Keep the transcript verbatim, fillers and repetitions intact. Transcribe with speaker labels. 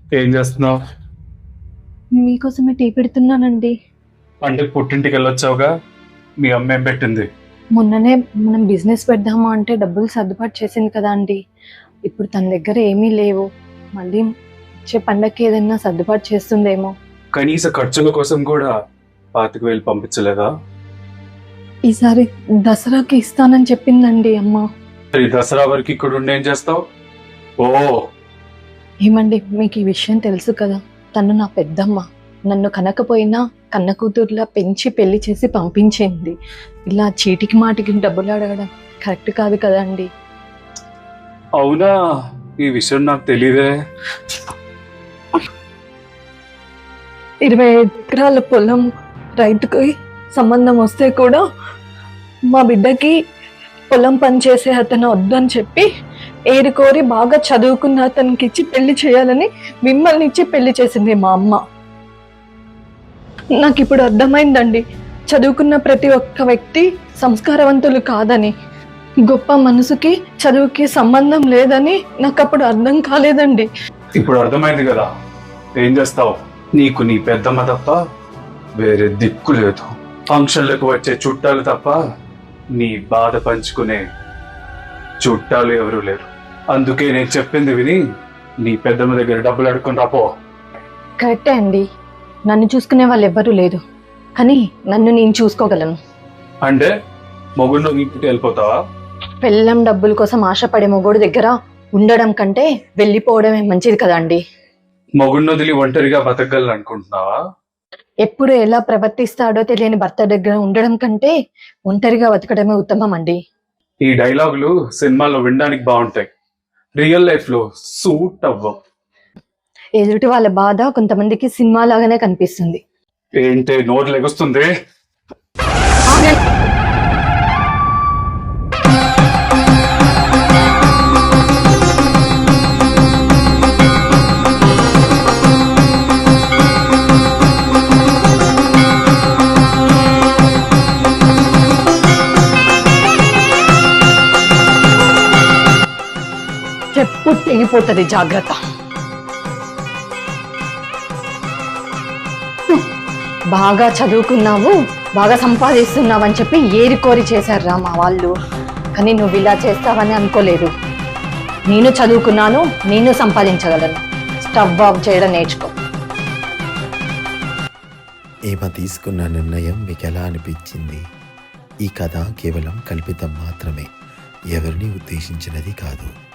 Speaker 1: ఏం చేస్తున్నావు?
Speaker 2: మీకోసమే టీ పెడుతున్నానండి.
Speaker 1: అంటే పుట్టింటికి వెళ్ళొచ్చావుగా, మీ అమ్మ ఏం పెట్టింది?
Speaker 2: మొన్ననే మనం బిజినెస్ పెడదామా అంటే డబ్బులు సర్దుబాటు చేసింది కదా అండి. ఇప్పుడు తన దగ్గర ఏమీ లేవు. మళ్ళీ వచ్చే పండక్కి ఏదైనా సర్దుబాటు చేస్తుందేమో.
Speaker 1: కనీస ఖర్చుల కోసం కూడా పాతిక వేలు పంపించలేదా?
Speaker 2: ఈసారి దసరాకి ఇస్తానని చెప్పిందండి అమ్మ.
Speaker 1: ఈ దసరా వరకు ఇక్కడ ఉండి ఏం చేస్తావు? ఓ
Speaker 2: ఏమండి, మీకు ఈ విషయం తెలుసు కదా, తను నా పెద్దమ్మ. నన్ను కనకపోయినా కన్న కూతుర్లా పెంచి పెళ్లి చేసి పంపించింది. ఇలా చీటికి మాటికి డబ్బులు అడగడం కరెక్ట్ కాదు కదా అండి.
Speaker 1: అవునా, ఈ విషయం నాకు తెలీదే.
Speaker 2: ఇరవై ఎకరాల పొలం రైతుకి సంబంధం వస్తే కూడా మా బిడ్డకి పొలం పని చేసే అతను వద్దని చెప్పి ఏరుకోరి బాగా చదువుకున్న అతనికి ఇచ్చి పెళ్లి చేయాలని మిమ్మల్ని ఇచ్చి పెళ్లి చేసింది మా అమ్మ. నాకు ఇప్పుడు అర్థమైందండి, చదువుకున్న ప్రతి ఒక్క వ్యక్తి సంస్కారవంతులు కాదని. గొప్ప మనసుకి చదువుకి సంబంధం లేదని నాకు అప్పుడు అర్థం కాలేదండి.
Speaker 1: ఇప్పుడు అర్థమైంది కదా, ఏం చేస్తావు? నీకు నీ పెద్దమ్మ తప్ప వేరే దిక్కు లేదు. ఫంక్షన్లకు వచ్చే చుట్టాలు తప్ప నీ బాధ పంచుకునే చుట్టాలు ఎవరూ లేరు. అందుకే నేను చెప్పింది విని నీ పెద్దమ్మ దగ్గర డబ్బులు అడుక్కొని రాపో.
Speaker 2: కరెక్టే అండి, నన్ను చూసుకునే వాళ్ళు ఎవ్వరూ లేరు, కానీ నన్ను నేను చూసుకోగలను.
Speaker 1: అంటే మొగుడు ఇంటికి వెళ్ళిపోతావా?
Speaker 2: పెళ్ళం డబ్బుల కోసం ఆశపడే మొగోడు దగ్గర ఉండడం కంటే వెళ్ళిపోవడమే మంచిది కదా అండి.
Speaker 1: మొగుడిని వదిలి ఒంటరిగా బతకగలను అనుకుంటున్నావా?
Speaker 2: ఎప్పుడు ఎలా ప్రవర్తిస్తాడో తెలియని భర్త దగ్గర ఉండడం కంటే ఒంటరిగా బతకడమే ఉత్తమం అండి.
Speaker 1: ఈ డైలాగులు సినిమాలో వినడానికి బాగుంటాయి, రియల్ లైఫ్ లో సూట్ అవ్వవు.
Speaker 2: ఎదుటి వాళ్ళ బాధ కొంతమందికి సినిమా లాగానే కనిపిస్తుంది.
Speaker 1: ఏంటే నోరు లెగుస్తుంది?
Speaker 2: చెప్పు తెగిపోతుంది, జాగ్రత్త. బాగా చదువుకున్నావు, బాగా సంపాదిస్తున్నావు అని చెప్పి ఏరి కోరి చేశారా మా వాళ్ళు. కానీ నువ్వు ఇలా చేస్తావని అనుకోలేదు. నేను చదువుకున్నాను, నేను సంపాదించగలను. స్టవ్ ఆఫ్ చేయడం నేర్చుకో.
Speaker 3: ఈమె తీసుకున్న నిర్ణయం మీకు ఎలా అనిపించింది? ఈ కథ కేవలం కల్పితం మాత్రమే, ఎవరిని ఉద్దేశించినది కాదు.